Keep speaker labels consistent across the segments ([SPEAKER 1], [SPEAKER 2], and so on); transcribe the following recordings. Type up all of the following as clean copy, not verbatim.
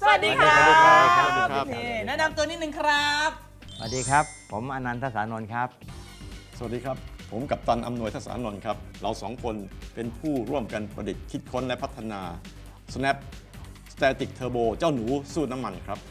[SPEAKER 1] สวัสดีครับ
[SPEAKER 2] แนะนำตัวนิดนึงครับ
[SPEAKER 1] สวัสดีครับผมอนันทสานนท์ครับ
[SPEAKER 3] สวัสดีครับผมกัปตันอำนวยทศานนท์ครับเราสองคนเป็นผู้ร่วมกันประดิษฐ์คิดค้นและพัฒนา Snap Static Turbo เจ้าหนูสูตรน้ำมันครับ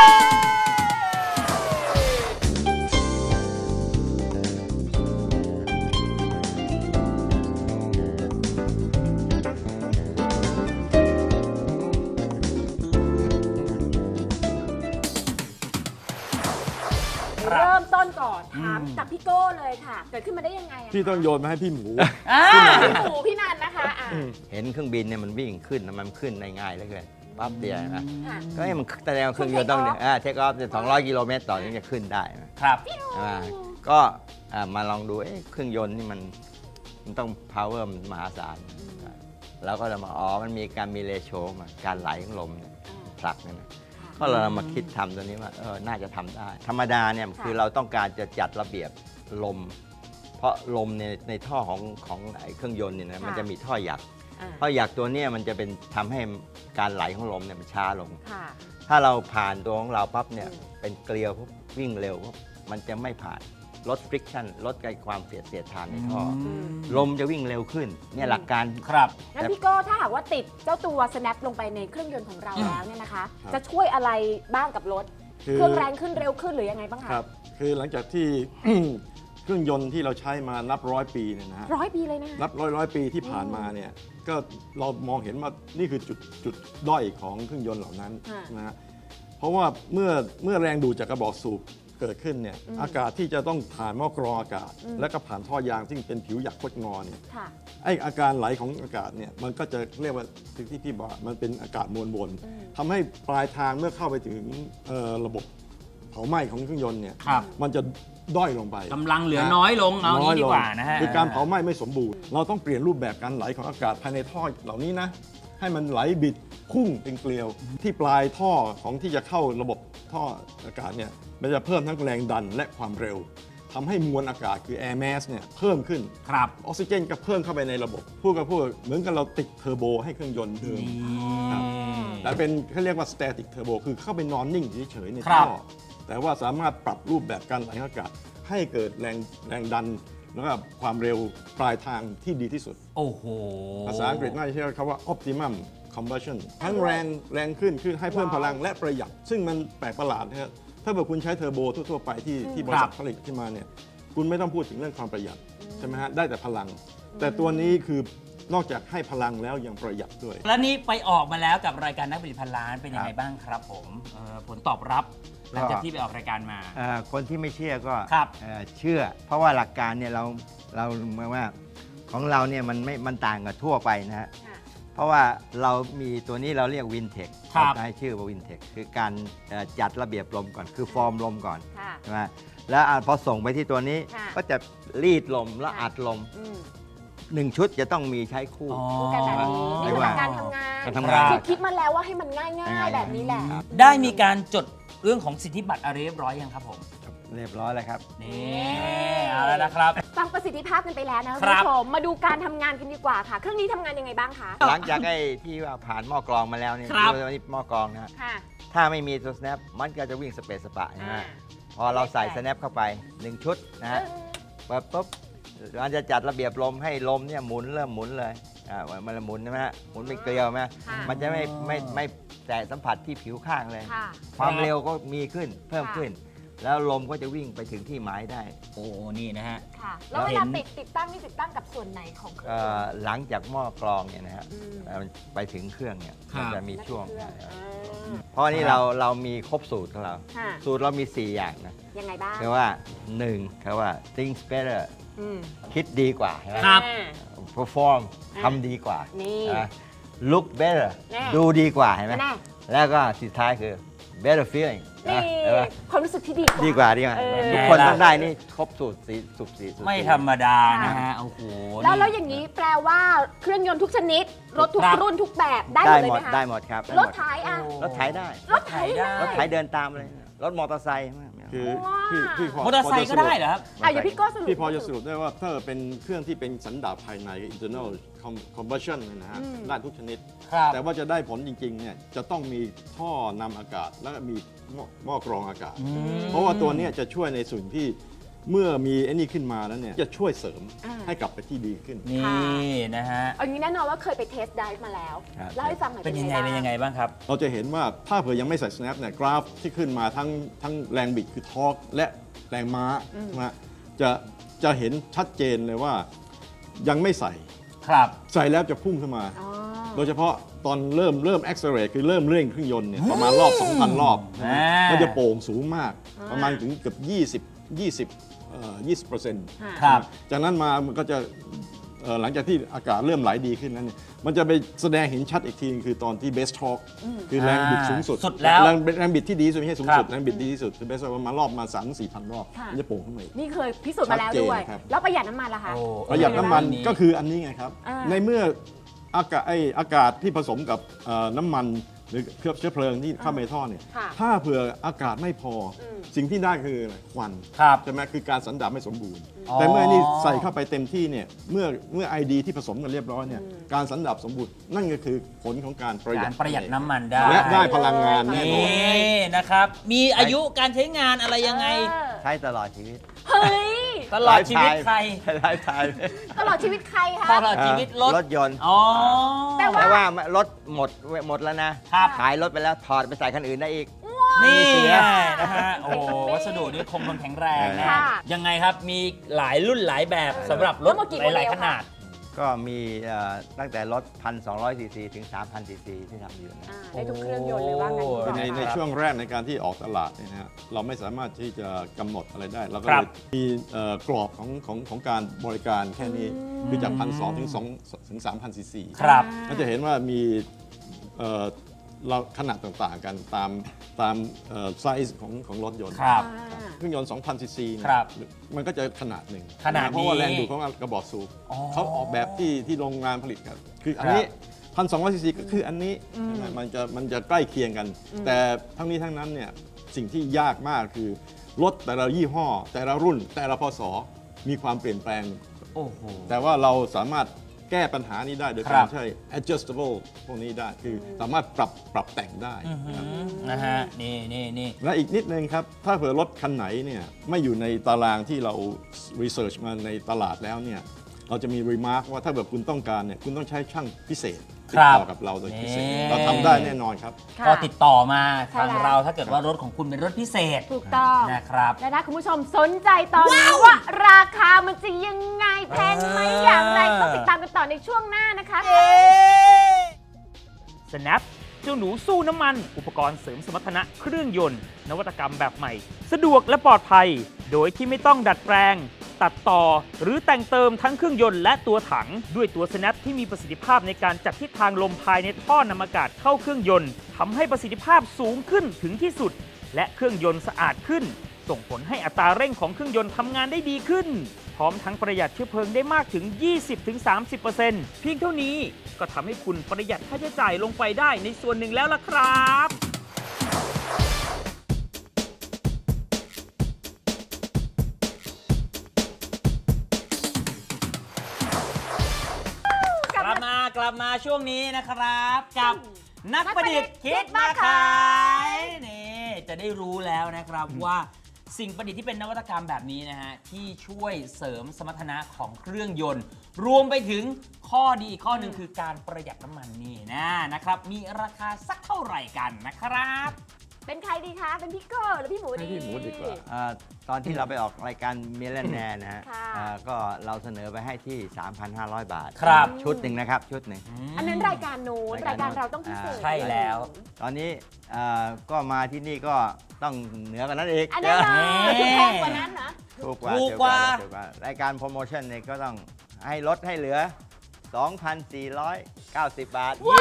[SPEAKER 4] เริ่มต้นก่อนถามจากพี่โก้เลยค่ะเกิดขึ้นมาได้ยังไงอะ
[SPEAKER 3] พี่ต้องโยนมาให้พี่หมู
[SPEAKER 4] พี่หมูพี่นันนะคะ
[SPEAKER 1] เห็นเครื่องบินเนี่ยมันวิ่งขึ้นมันขึ้นได้ง่ายเหลือเกินปั๊บเดียวนะ
[SPEAKER 4] ค่ะ
[SPEAKER 1] ก็ให้มันแสดงว่าเครื่องยนต์ต้องเทคออฟ200 กิโลเมตรต่อถึงจะขึ้นได้นะครับ ก็มาลองดูเครื่องยนต์นี่มันต้อง power มันมหาศาลแล้วก็จะมามันมีการมีเรโชมาการไหลของลมผลักนั่นนะก็เรามาคิดทำตัวนี้ว่าน่าจะทำได้ธรรมดาเนี่ยคือเราต้องการจะจัดระเบียบลมเพราะลมในท่อของเครื่องยนต์เนี่ยนะมันจะมีท่อหยักตัวนี้มันจะเป็นทำให้การไหลของลมเนี่ยมันช้าลงถ้าเราผ่านตัวของเราปั๊บเนี่ยเป็นเกลียววิ่งเร็วมันจะไม่ผ่านลด friction ลดความเสียดทานในท่อลมจะวิ่งเร็วขึ้นเนี่ยหลักการ
[SPEAKER 2] ครับ
[SPEAKER 4] งั้นพี่โก้ถ้าหากว่าติดเจ้าตัว snap ลงไปในเครื่องยนต์ของเราแล้วเนี่ยนะคะจะช่วยอะไรบ้างกับรถเครื่องแรงขึ้นเร็วขึ้นหรือยังไงบ้างคะ
[SPEAKER 3] ครับคือหลังจากที่ เครื่องยนต์ที่เราใช้มานับร้อยปีเนี่ยนะฮะ
[SPEAKER 4] 100 ปีเลยนะ
[SPEAKER 3] นับร้อยปีที่ผ่านมาเนี่ยก็เรามองเห็นว่านี่คือจุดด้อยของเครื่องยนต์เหล่านั้นนะฮะเพราะว่าเมื่อแรงดูดจากกระบอกสูบเกิดขึ้นเนี่ยอากาศที่จะต้องผ่านหม้อกรองอากาศแล้วก็ผ่านท่อยางซึ่งเป็นผิวหยักคดงอเนี่ยไออาการไหลของอากาศเนี่ยมันก็จะเรียกว่าที่พี่บอกมันเป็นอากาศมวลวนทำให้ปลายทางเมื่อเข้าไปถึงระบบเผาไหม้ของเครื่องยนต์เนี่ยมันจะด้อยลงไป
[SPEAKER 2] กำลังเหลือน้อยลงเอางี้ดีกว่านะฮะ
[SPEAKER 3] คือการเผาไหม้ไม่สมบูรณ์เราต้องเปลี่ยนรูปแบบการไหลของอากาศภายในท่อเหล่านี้นะให้มันไหลบิดพุ่งเป็นเกลียวที่ปลายท่อของที่จะเข้าระบบท่ออากาศเนี่ยมันจะเพิ่มทั้งแรงดันและความเร็วทำให้มวลอากาศคือ air mass เนี่ยเพิ่มขึ้น
[SPEAKER 2] ครับ
[SPEAKER 3] ออกซิเจนก็เพิ่มเข้าไปในระบบพูดเหมือนกับเราติดเทอร์โบให้เครื่องยนต์เดิมครับแต่เป็นเขาเรียกว่า static turbo คือเข้าไปนอนนิ่งเฉยๆในท่อแต่ว่าสามารถปรับรูปแบบการไหลของอากาศให้เกิดแรงดันแล้วก็ความเร็วปลายทางที่ดีที่สุด
[SPEAKER 2] โอ้โห
[SPEAKER 3] ภาษาอังกฤษน่าจะใช้คำว่า optimum combustion ทั้งแรงขึ้นคือให้เพิ่มพลังและประหยัดซึ่งมันแปลกประหลาดนะครับถ้าเกิดคุณใช้เทอร์โบทั่วๆไปที่บริษัทผลิตขึ้นมาเนี่ยคุณไม่ต้องพูดถึงเรื่องความประหยัดใช่ไหมฮะได้แต่พลังแต่ตัวนี้คือนอกจากให้พลังแล้วยังประหยัดด้วย
[SPEAKER 2] แล้วนี่ไปออกมาแล้วกับรายการนักผลิตพันล้านเป็นยังไงบ้างครับผมผลตอบรับหลังจากที่ไปออกรายการมา
[SPEAKER 1] คนที่ไม่เชื่อก็เชื่อเพราะว่าหลักการเนี่ยเราหมายว่าของเราเนี่ยมันต่างกับทั่วไปนะฮะเพราะว่าเรามีตัวนี้เราเรียกวินเทคใช้ชื่อว่าวินเทคคือการจัดระเบียบลมก่อนคือฟอร์มลมก่อนใช่ไหมแล้วพอส่งไปที่ตัวนี้ก็จะรีดลมแล้วอัดลม1 ชุดจะต้องมีใช้คู่
[SPEAKER 4] กันแบบนี้นี่คือการทำงานคิดมาแล้วว่าให้มันง่ายๆแบบนี้แหละ
[SPEAKER 2] ได้มีการจดเรื่องของสิทธิบัตรอะไรเรียบร้อยยังครับผม
[SPEAKER 1] เรียบร้อยแล้วครับ
[SPEAKER 2] นี่เอาแล้วนะครับ
[SPEAKER 4] ฟังประสิทธิภาพกันไปแล้วนะคุณผู้ชมมาดูการทำงานกันดีกว่าค่ะเครื่องนี้ทำงานยังไงบ้างคะ
[SPEAKER 1] หลังจากที่ว่าผ่านหม้อกรองมาแล้วเนี่ยตัวนี้หม้อกรองนะถ้าไม่มีตัว snap มันก็จะวิ่งสเปซสปะนะฮะพอเราใส่ snap เข้าไป1 ชุดนะฮะปุ๊บมันจะจัดระเบียบลมให้ลมเนี่ยเริ่มหมุนเลยมันหมุนใช่ไหมฮะหมุนเป็นเกลียวไหมมันจะไม่แตะสัมผัสที่ผิวข้างเลยความเร็วก็มีขึ้นเพิ่มขึ้นแล้วลมก็จะวิ่งไปถึงที่หมายได้
[SPEAKER 2] โอ้นี่นะฮะ
[SPEAKER 4] แล้วเวลาติดตั้งนี่ติดตั้งกับส่วนไหนของเครื่อง
[SPEAKER 1] หลังจากหม้อกรองเนี่ยนะฮะไปถึงเครื่องเนี่ยมันจะมีช่วงเพราะนี่เรามีครบสูตรของเราสูตรเรามี4 อย่างนะ
[SPEAKER 4] ยังไงบ้าง
[SPEAKER 1] คือว่า1คือว่า think better คิดดีกว่า
[SPEAKER 2] ครับ
[SPEAKER 1] perform ทำดีกว่า look better ดูดีกว่าเห็นไหมแล้วก็สุดท้ายคือ better feeling
[SPEAKER 4] ความรู้สึกที่
[SPEAKER 1] ดีกว่าทุกคนต้องได้นี่ครบสูตร
[SPEAKER 2] ไม่ธรรมดานะฮะโอ้โห
[SPEAKER 4] แล้วอย่างนี้แปลว่าเครื่องยนต์ทุกชนิดรถทุกรุ่นทุกแบบได้หมดเลยไหมคะ
[SPEAKER 1] ได้หมดครับ
[SPEAKER 4] รถไถ
[SPEAKER 1] รถไถได้
[SPEAKER 4] รถไถ
[SPEAKER 1] เดินตามเลยรถมอเตอร์ไซค์
[SPEAKER 3] คือพี่พ
[SPEAKER 2] มอเตอร์ไซค์ก็ได้เหรอครับ
[SPEAKER 4] อย่าพี่โก้สรุป
[SPEAKER 3] พี่พอจะสรุปได้ว่าถ้าเป็นเครื่องที่เป็นสันดาปภายใน internal combustion เนยนะฮะได้ทุกชนิด
[SPEAKER 2] ครับ
[SPEAKER 3] แต่ว่าจะได้ผลจริงๆเนี่ยจะต้องมีท่อนำอากาศแล้วก็มีหม้อกรองอากาศ เพราะว่าตัวเนี้ยจะช่วยในส่วนที่เมื่อมีไอ้นี่ขึ้นมาแล้วเนี่ยจะช่วยเสริมให้กลับไปที่ดีขึ้น
[SPEAKER 2] นี่นะฮะ
[SPEAKER 4] เอางี้แน่นอนว่าเคยไปเทสไดฟ์มาแล้ว
[SPEAKER 1] ครับ
[SPEAKER 4] เล่าให้ฟังหน่อย
[SPEAKER 2] เป็นยังไงบ้างครับ
[SPEAKER 3] เราจะเห็นว่าถ้าเผื่อยังไม่ใส่ snap เนี่ยกราฟที่ขึ้นมาทั้งแรงบิดคือทอร์กและแรงม้านะจะเห็นชัดเจนเลยว่ายังไม่ใส่
[SPEAKER 2] ครับ
[SPEAKER 3] ใส่แล้วจะพุ่งขึ้นมา
[SPEAKER 4] อ๋อ
[SPEAKER 3] โดยเฉพาะตอนเริ่ม accelerate คือเริ่มเร่งเครื่องยนต์เนี่ยประมาณรอบ 2,000 รอบ
[SPEAKER 2] อ่า
[SPEAKER 3] มันจะโป่งสูงมาก
[SPEAKER 4] อ่า
[SPEAKER 3] ประมาณถึงเกือบ20%
[SPEAKER 2] ครับ
[SPEAKER 3] จากนั้นมามันก็จะหลังจากที่อากาศเริ่มไหลดีขึ้นนั้นเนี่ยมันจะไปแสดงเห็นชัดอีกทีคือตอนที่เบสทอร์กคือแรงบิดสูงสุด
[SPEAKER 2] สุดแล้ว
[SPEAKER 3] แรงบิดที่ดีที่สุดไม่ใช่สูงสุด
[SPEAKER 2] ครับ
[SPEAKER 3] แรงบิดดีที่สุดคือเบสทอร์กมารอบมา 3-4,000 รอบ
[SPEAKER 4] ค่ะ
[SPEAKER 3] มันจะโป่งขึ้นมาอีก
[SPEAKER 4] นี่เคยพิสูจน์มาแล้วด้วย
[SPEAKER 3] ชัดเจนครับ
[SPEAKER 4] แล้วประหยัดน้ำมันล่ะคะ
[SPEAKER 2] โอ้
[SPEAKER 3] ประหยัดน้ำมันก็คืออันนี้ไงครับ
[SPEAKER 4] อ่า
[SPEAKER 3] ในเมื่ออากาศที่ผสมกับน้ำมันหรือเคลือบเชื้อเพลิงที่เข้าไปในท่อเนี่ย
[SPEAKER 4] ค่ะ
[SPEAKER 3] ถ้าเผื่ออากาศไม่พออ
[SPEAKER 4] ม
[SPEAKER 3] สิ่งที่ได้คืออะไรควัน
[SPEAKER 2] ครับ
[SPEAKER 3] ใช่ไหมคือการสันดาปไม่สมบูรณ์
[SPEAKER 2] อ๋อ
[SPEAKER 3] แต่เมื่อนี่ใส่เข้าไปเต็มที่เนี่ยเมื่อไอดีที่ผสมกันเรียบร้อยเนี่ยการสันดาปสมบูรณ์นั่นก็คือผลของการประหยั
[SPEAKER 2] กา
[SPEAKER 3] ด
[SPEAKER 2] รประหยัดน้ำมันได้
[SPEAKER 3] และได้พลังงานแน่นอน
[SPEAKER 2] นี่นะครับ มีอายุการใช้งานอะไรยังไง
[SPEAKER 1] ใช้ตลอดชีวิต
[SPEAKER 4] เฮ้ย
[SPEAKER 2] ตลอดชีวิตใคร
[SPEAKER 1] ไลฟ์ไทม์
[SPEAKER 4] ตลอดชีวิตใครคะ
[SPEAKER 2] ตลอดชีวิตรถ
[SPEAKER 1] รถยนต์
[SPEAKER 2] อ๋อ
[SPEAKER 4] แต่
[SPEAKER 1] แต่ว่ารถหมดแล้วนะ
[SPEAKER 2] ครับ
[SPEAKER 1] ขายรถไปแล้วถอดไปใส่คันอื่นได้อีก
[SPEAKER 2] นี่
[SPEAKER 1] เสี
[SPEAKER 2] ไง
[SPEAKER 1] ย
[SPEAKER 2] นะฮะ โอ้วัสดุนี่คงทนแข็งแรงนะ
[SPEAKER 4] ค่ะ
[SPEAKER 2] ยังไงครับ มีหลายรุ่นหลายแบบสำหรับรถ
[SPEAKER 4] ทั้งหมดกี่
[SPEAKER 2] หลาย
[SPEAKER 4] โมเดล
[SPEAKER 2] ๆขนาด
[SPEAKER 1] ก็มีตั้งแต่รถ 1,200 ซีซีถึง 3,000 ซีซีที่ทำอยู่นะ
[SPEAKER 4] ได้ทุกเครื่องยนต์เลยว่างั้นดีกว่า
[SPEAKER 3] ในช่วงแรกในการที่ออกตลาดเนี่ยนะฮะเราไม่สามารถที่จะกำหนดอะไรได้ เราก็
[SPEAKER 2] ครั
[SPEAKER 3] เล
[SPEAKER 2] บ
[SPEAKER 3] ยมีกรอบของการบริการแค่นี้คือจาก 1,200 ถึง 3,000 ซีซี
[SPEAKER 2] ครับ
[SPEAKER 3] ก็จะเห็นว่ามีเราขนาดต่างๆกันตามไซส์ของรถยนต์
[SPEAKER 2] ครับ
[SPEAKER 3] เครื่องยนต์ 2,000 ซีซีเนี่ย
[SPEAKER 2] ครับ
[SPEAKER 3] มันก็จะขนาดหนึ่ง
[SPEAKER 2] ขนาดนี้
[SPEAKER 3] เพราะว่าแรงดูดของกระบอกสูบ
[SPEAKER 2] อ๋อ
[SPEAKER 3] เขาออกแบบที่โรงงานผลิตครับคืออันนี้ 1,200 ซีซีก็คืออันนี้ใช่ไหมมันจะใกล้เคียงกัน แต่ทั้งนี้ทั้งนั้นเนี่ยสิ่งที่ยากมากคือรถแต่ละยี่ห้อ แต่ละรุ่น แต่ละพศมีความเปลี่ยนแปลง
[SPEAKER 2] โอ้โห
[SPEAKER 3] แต่ว่าเราสามารถแก้ปัญหานี้ได้โดย
[SPEAKER 2] ครั
[SPEAKER 3] การ
[SPEAKER 2] บ
[SPEAKER 3] ใช้ adjustable พวกนี้ได้คือสามารถปรับแต่งได้ครับ
[SPEAKER 2] นะฮะ นี่
[SPEAKER 3] และอีกนิดนึงครับ ถ้าเผื่อรถคันไหนเนี่ยไม่อยู่ในตารางที่เรา research มาในตลาดแล้วเนี่ยเราจะมี remark ว่าถ้าแบบคุณต้องการเนี่ยคุณต้องใช้ช่างพิเศษติดต่อกับเราโดยพิเศษ
[SPEAKER 2] นี่
[SPEAKER 3] เราทำได้แน่นอนครับ
[SPEAKER 4] ค่ะ
[SPEAKER 2] ก็ติดต่อมา
[SPEAKER 4] ใช่
[SPEAKER 2] ทาง
[SPEAKER 4] แล้ว
[SPEAKER 2] เราถ้าเกิดว่ารถของคุณเป็นรถพิเศษ
[SPEAKER 4] ถูกต้อง
[SPEAKER 2] นะครับ
[SPEAKER 4] และถ้าคุณผู้ชมสนใจตอนนี้ว่าราคามันจะยังไงแพงไหมอย่างไรต้องติดตามกันต่อในช่วงหน้านะคะ
[SPEAKER 5] Snap เจ้าหนูสู้น้ำมัน อุปกรณ์เสริมสมรรถนะเครื่องยนต์ นวัตกรรมแบบใหม่ สะดวกและปลอดภัย โดยที่ไม่ต้องดัดแปลง ตัดต่อ หรือแต่งเติมทั้งเครื่องยนต์และตัวถัง ด้วยตัว Snap ที่มีประสิทธิภาพในการจัดทิศทางลมภายในท่อนำอากาศเข้าเครื่องยนต์ทำให้ประสิทธิภาพสูงขึ้นถึงที่สุด และเครื่องยนต์สะอาดขึ้น ส่งผลให้อัตราเร่งของเครื่องยนต์ทำงานได้ดีขึ้น พร้อมทั้งประหยัดเชื้อเพลิงได้มากถึง 20-30% เพียงเท่านี้ก็ทำให้คุณประหยัดค่าใช้จ่ายลงไปได้ในส่วนหนึ่งแล้วล่ะครับ
[SPEAKER 2] กลับมาช่วงนี้นะครับ กับนักประดิษฐ์คิดมาขายนี่จะได้รู้แล้วนะครับว่าสิ่งประดิษฐ์ที่เป็นนวัตกรรมแบบนี้นะฮะที่ช่วยเสริมสมรรถนะของเครื่องยนต์ รวมไปถึงข้อดีอีกข้อหนึ่งคือการประหยัดน้ำมันนี่นะครับมีราคาสักเท่าไหร่กันนะครับ
[SPEAKER 4] เป็นใครดีคะ เป็นพี่โก้หรือพี่หมูดี
[SPEAKER 3] ให้พี่หมูดีกว่า
[SPEAKER 1] ตอนที่เราไปออกรายการเมลแนร์นะฮะ
[SPEAKER 4] ค่ะ
[SPEAKER 1] ก็เราเสนอไปให้ที่ 3,500 บาท
[SPEAKER 2] ครับ
[SPEAKER 1] ชุดหนึ่งนะครับ ชุดหนึ่ง
[SPEAKER 4] อันนั้นรายการโน้นรายการเราต้องพิเศษ
[SPEAKER 2] ใช่แล้ว
[SPEAKER 1] ตอนนี้ก็มาที่นี่ก็ต้องเหนือกว่านั้นอีก
[SPEAKER 4] อันนั้นเหรอ
[SPEAKER 2] เอ๊ะ
[SPEAKER 4] แพงกว่านั้นนะ
[SPEAKER 1] ถูกกว่า
[SPEAKER 2] ถูกกว่า
[SPEAKER 1] ถูกกว่ารายการโปรโมชั่นเนี่ยก็ต้องให้ลดให้เหลือ 2,490 บาท
[SPEAKER 2] เย้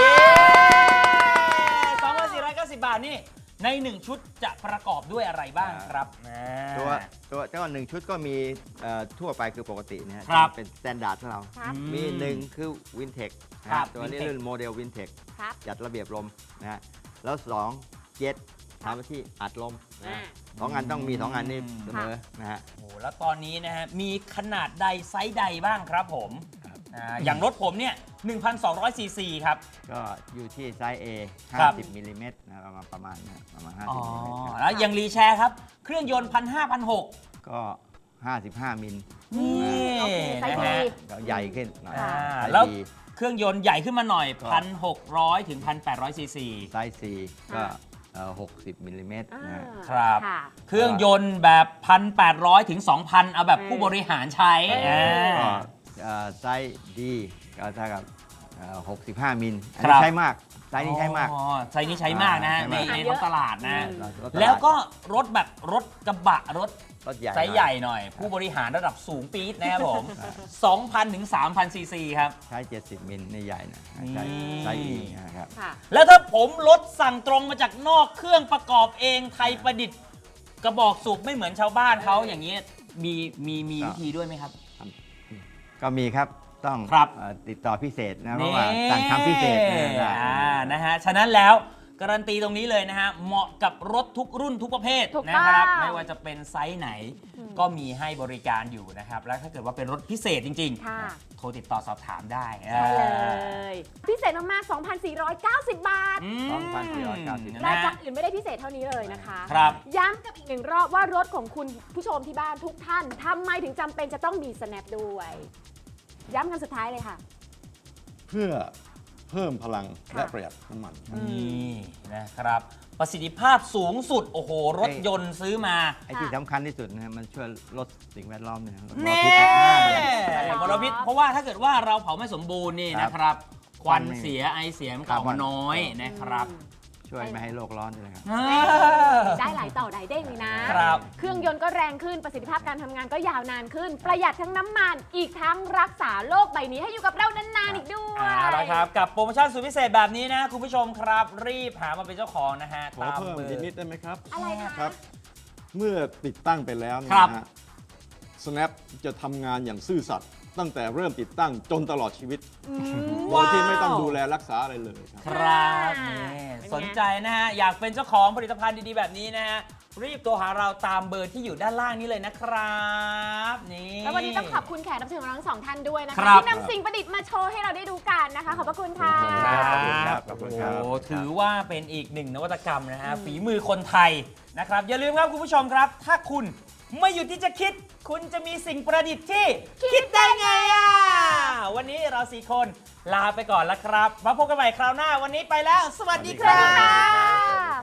[SPEAKER 2] 2,490 บาทนี่ใน 1 ชุดจะประกอบด้วยอะไรบ้างครับ
[SPEAKER 1] ตัวเจ้าหนึ่งชุดก็มีทั่วไปคือปกตินะฮะ
[SPEAKER 2] ครับ
[SPEAKER 1] เป็นสแตนดาร์ดของเรา
[SPEAKER 4] ครับ
[SPEAKER 1] มีหนึ่งคือวินเทค
[SPEAKER 2] ครับ
[SPEAKER 1] ตัวนี้
[SPEAKER 2] Wintec
[SPEAKER 1] รุ่นโมเดลวินเทค
[SPEAKER 4] ครับ
[SPEAKER 1] จัดระเบียบลมนะฮะแล้ว2เจ็ตทำหน้าที่อัดลมนะ
[SPEAKER 4] อ่า
[SPEAKER 1] 2 อันต้องมี 2 อันนี่เสมอนะฮะ
[SPEAKER 2] โอ้โหแล้วตอนนี้นะฮะมีขนาดใดไซส์ใดบ้างครับผมอย่างรถผมเนี่ย 1,200 ซีซีครับ
[SPEAKER 1] ก็อยู่ที่ไซส์ A
[SPEAKER 2] ครับ
[SPEAKER 1] 50 มิลลิเมตรนะประมาณนะประมาณ
[SPEAKER 2] อ๋อ
[SPEAKER 1] 50 มิลลิเมตรครับ
[SPEAKER 2] แล้วอย่างรีแชร์ครับ เครื่องยนต์ 1,500
[SPEAKER 1] ก็ 55 มิล
[SPEAKER 2] นี่
[SPEAKER 4] โอเคไซส์
[SPEAKER 2] นะ
[SPEAKER 4] ดี
[SPEAKER 2] ฮะ
[SPEAKER 1] ก็ใหญ่ขึ้นหน่อย
[SPEAKER 2] อ่า
[SPEAKER 1] ไซส์
[SPEAKER 2] แล้ว
[SPEAKER 1] B
[SPEAKER 2] เครื่องยนต์ใหญ่ขึ้นมาหน่อย
[SPEAKER 1] ก็
[SPEAKER 2] 1,600 ถึง 1,800 ซีซี
[SPEAKER 1] ไซส์ C ก็60 มิลลิเมตรนะฮะ
[SPEAKER 2] ครับ
[SPEAKER 4] ค่ะ
[SPEAKER 2] เครื่องยนต์แบบ 1,800 ถึง 2,000 เอาแบบผู้บริหารใช้
[SPEAKER 1] ก็ไซส์ D ก็เท่ากับ65 มิลอัน
[SPEAKER 2] ครั
[SPEAKER 1] นี้
[SPEAKER 2] บ
[SPEAKER 1] ใช้มากไซส์นี้ใช้มาก
[SPEAKER 2] อ๋อไซส์นี้ใช้มากนะฮะ
[SPEAKER 1] ใช้
[SPEAKER 2] ใน
[SPEAKER 1] มาก
[SPEAKER 2] ท้องตลาดนะ
[SPEAKER 1] รถตาด
[SPEAKER 2] แล้วก็รถแบบรถกระบะรถ
[SPEAKER 1] รถใหญ่
[SPEAKER 2] ไซส์ใหญ่หน่อย ผู้บริหารระดับสูงปี๊ดนะครับผม 2,000 ถึง 3,000 ซีซีครับ
[SPEAKER 1] ใช้ 70 มิลนี่ใหญ่นะใช้
[SPEAKER 2] นี่
[SPEAKER 1] ไซส์ E นะครับ
[SPEAKER 4] ค่ะ
[SPEAKER 2] แล้วถ้าผมรถสั่งตรงมาจากนอกเครื่องประกอบเองไทยประดิษฐ์กระบอกสูบไม่เหมือนชาวบ้านเขาอย่างนี้มีวิธีด้วยไหมครับ
[SPEAKER 1] ก็มีครับต้อง
[SPEAKER 2] ครับ
[SPEAKER 1] ติดต่อพิเศษนะเพราะว่าสั่งทำพิเศษนะ
[SPEAKER 2] นะฮะ ฉะนั้นแล้วการันตีตรงนี้เลยนะฮะ เหมาะกับรถทุกรุ่นทุกประเภท
[SPEAKER 4] ถูก
[SPEAKER 2] นะครับ
[SPEAKER 4] ต้อง
[SPEAKER 2] ไม่ว่าจะเป็นไซส์ไหน ก็มีให้บริการอยู่นะครับ แล้วถ้าเกิดว่าเป็นรถพิเศษจริง
[SPEAKER 4] ค่ะ
[SPEAKER 2] ๆ โทรติดต่อสอบถามได้
[SPEAKER 4] ใช่เลย พิเศษมากๆ 2,490 บาท
[SPEAKER 2] อืม
[SPEAKER 1] 2,490
[SPEAKER 4] รายการอื่นไม่ได้พิเศษเท่านี้เลยนะคะ
[SPEAKER 2] ครับ
[SPEAKER 4] ย้ำกับอีกหนึ่งรอบว่ารถของคุณผู้ชมที่บ้านทุกท่านทำไมถึงจำเป็นจะต้องมี snap ด้วย ย้ำกันสุดท้ายเลยค่ะ
[SPEAKER 3] เพื่อเพิ่มพลัง
[SPEAKER 4] ค่ะ
[SPEAKER 3] และประหยัดน้ำมันครับ
[SPEAKER 2] นี่นะครับ ประสิทธิภาพสูงสุด โอ้โห รถยนต์ซื้อมา
[SPEAKER 1] ไอ้ที่สำคัญที่สุดนะมันช่วยลดสิ่งแวดล้อมเนี่ยลดม
[SPEAKER 2] เน่
[SPEAKER 1] ลพิษนะ
[SPEAKER 2] มลพิษเพราะว่าถ้าเกิดว่าเราเผาไม่สมบูรณ์นี่
[SPEAKER 1] ครับ
[SPEAKER 2] นะครับ ควัน
[SPEAKER 1] ควันไม่
[SPEAKER 2] เสียไอเสียมันก็ออกมาน้อยนะครับ
[SPEAKER 1] ช่วยไม่ให้โลกร้อนด้วยครับ
[SPEAKER 4] ได้หลายต่อหลายเด้งเลยนะ
[SPEAKER 2] ครับ
[SPEAKER 4] เครื่องยนต์ก็แรงขึ้นประสิทธิภาพการทำงานก็ยาวนานขึ้น ประหยัดทั้งน้ำมัน อีกทั้งรักษาโลกใบนี้ให้อยู่กับเรานานๆอีกด้วย
[SPEAKER 2] เอาละครับ กับโปรโมชั่นสุดพิเศษแบบนี้นะ คุณผู้ชมครับ รีบหามาเป็นเจ้าของนะฮะ
[SPEAKER 3] ขอ
[SPEAKER 2] ตาม
[SPEAKER 3] เพิ่ม
[SPEAKER 2] เบอ
[SPEAKER 3] อีก
[SPEAKER 2] ร์
[SPEAKER 3] นิดได้ไหมครับ
[SPEAKER 4] อะไรคะ
[SPEAKER 3] ครับ เมื่อติดตั้งไปแล้วเนี่ย
[SPEAKER 2] ครับ
[SPEAKER 3] นะฮะ Snap จะทำงานอย่างซื่อสัตย์ตั้งแต่เริ่มติดตั้งจนตลอดชีวิต โดยที่ไม่ต้องดูแลรักษาอะไรเลยครับ
[SPEAKER 2] ครับนี่
[SPEAKER 4] เป็นไง
[SPEAKER 2] สนใจนะฮะ อยากเป็นเจ้าของผลิตภัณฑ์ดีๆแบบนี้นะฮะ รีบโทรหาเราตามเบอร์ที่อยู่ด้านล่างนี้เลยนะครับนี่
[SPEAKER 4] แล้ววันนี้ต้องขอบคุณแขกรับเชิญของเราทั้งสองท่านด้วยนะ
[SPEAKER 2] ครั
[SPEAKER 4] คะ
[SPEAKER 2] บ
[SPEAKER 4] ที่นำสิ่งประดิษฐ์มาโชว์ให้เราได้ดูกันนะคะ ขอบพระคุณค่ะ
[SPEAKER 1] ขอบคุณครับขอบคุณครับ
[SPEAKER 2] โอ้ถือว่าเป็นอีกหนึ่งนวัตกรรมนะฮะ ฝีมือคนไทยนะครับ อย่าลืมครับคุณผู้ชมครับ ถ้าคุณไม่หยุดที่จะคิด คุณจะมีสิ่งประดิษฐ์ที่คิดได้ไงอ่ะ วันนี้เรา4 คนลาไปก่อนแล้วครับ มาพบกันใหม่คราวหน้า วันนี้ไปแล้ว สวัสดีครับ